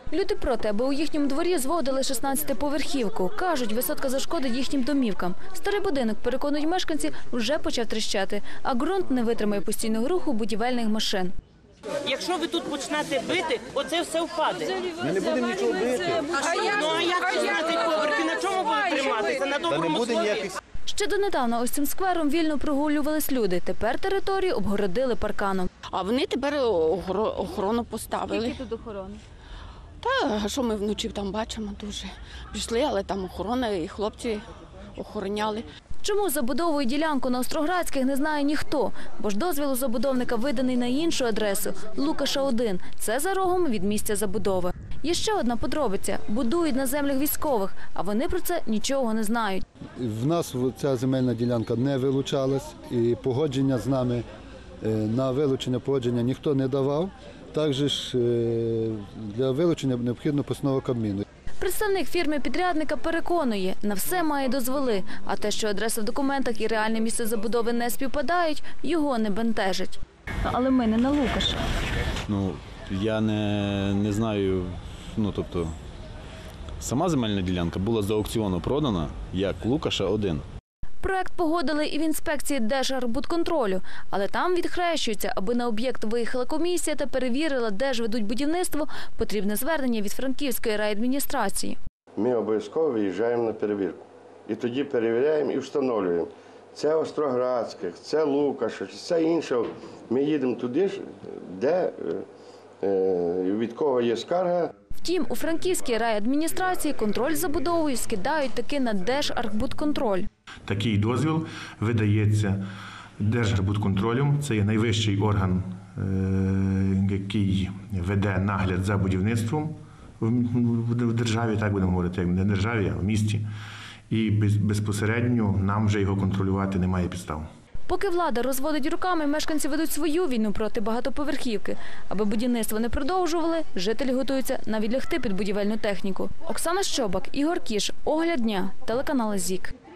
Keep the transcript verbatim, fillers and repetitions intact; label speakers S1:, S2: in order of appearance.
S1: Люди проти, аби у їхньому дворі зводили шістнадцятиповерхівку. Кажуть, висотка зашкодить їхнім домівкам. Старий будинок, переконують мешканці, вже почав тріщати, а ґрунт не витримає постійного руху будівельних машин.
S2: Якщо ви тут почнете бити, оце все впаде.
S3: Ми не будемо нічого бити.
S2: Ну а як шістнадцять поверхів, на чому будуть триматися? На доброму слові?
S1: Ще донедавна ось цим сквером вільно прогулювались люди. Тепер територію обгородили парканом.
S4: А вони тепер охорону поставили.
S1: Скільки тут охорони?
S4: Та, що ми вночі там бачимо дуже. Пішли, але там охорона і хлопці охороняли.
S1: Чому забудовують ділянку на Остроградських, не знає ніхто. Бо ж дозвіл у забудовника виданий на іншу адресу – Лукаша один. Це за рогом від місця забудови. Є ще одна подробиця – будують на землях військових, а вони про це нічого не знають.
S5: В нас ця земельна ділянка не вилучалась, і погодження з нами на вилучення погодження ніхто не давав. Також для вилучення необхідно постанова Кабміну.
S1: Представник фірми-підрядника переконує, на все має дозволи, а те, що адреса в документах і реальне місце забудови не співпадають, його не бентежить. Але ми не на Лукаша.
S6: Ну, я не, не знаю, ну, тобто, сама земельна ділянка була з аукціону продана як Лукаша один.
S1: Проект погодили і в інспекції Держархбудконтролю, але там відхрещуються, аби на об'єкт виїхала комісія та перевірила, де ж ведуть будівництво, потрібне звернення від Франківської райадміністрації.
S7: Ми обов'язково виїжджаємо на перевірку. І тоді перевіряємо і встановлюємо. Це Остроградських, це Лукаша, це інше. Ми їдемо туди, де, від кого є скарга.
S1: Втім, у Франківській райадміністрації контроль за будовою скидають таки на Держархбудконтроль.
S8: Такий дозвіл видається Держархбудконтролем. Це є найвищий орган, який веде нагляд за будівництвом в державі, так будемо говорити, як не в державі, а в місті. І безпосередньо нам вже його контролювати немає підстав.
S1: Поки влада розводить руками, мешканці ведуть свою війну проти багатоповерхівки. Аби будівництво не продовжували, жителі готуються навіть лягти під будівельну техніку. Оксана Щобак, Ігор Кіш, Огляд дня, телеканал ЗІК.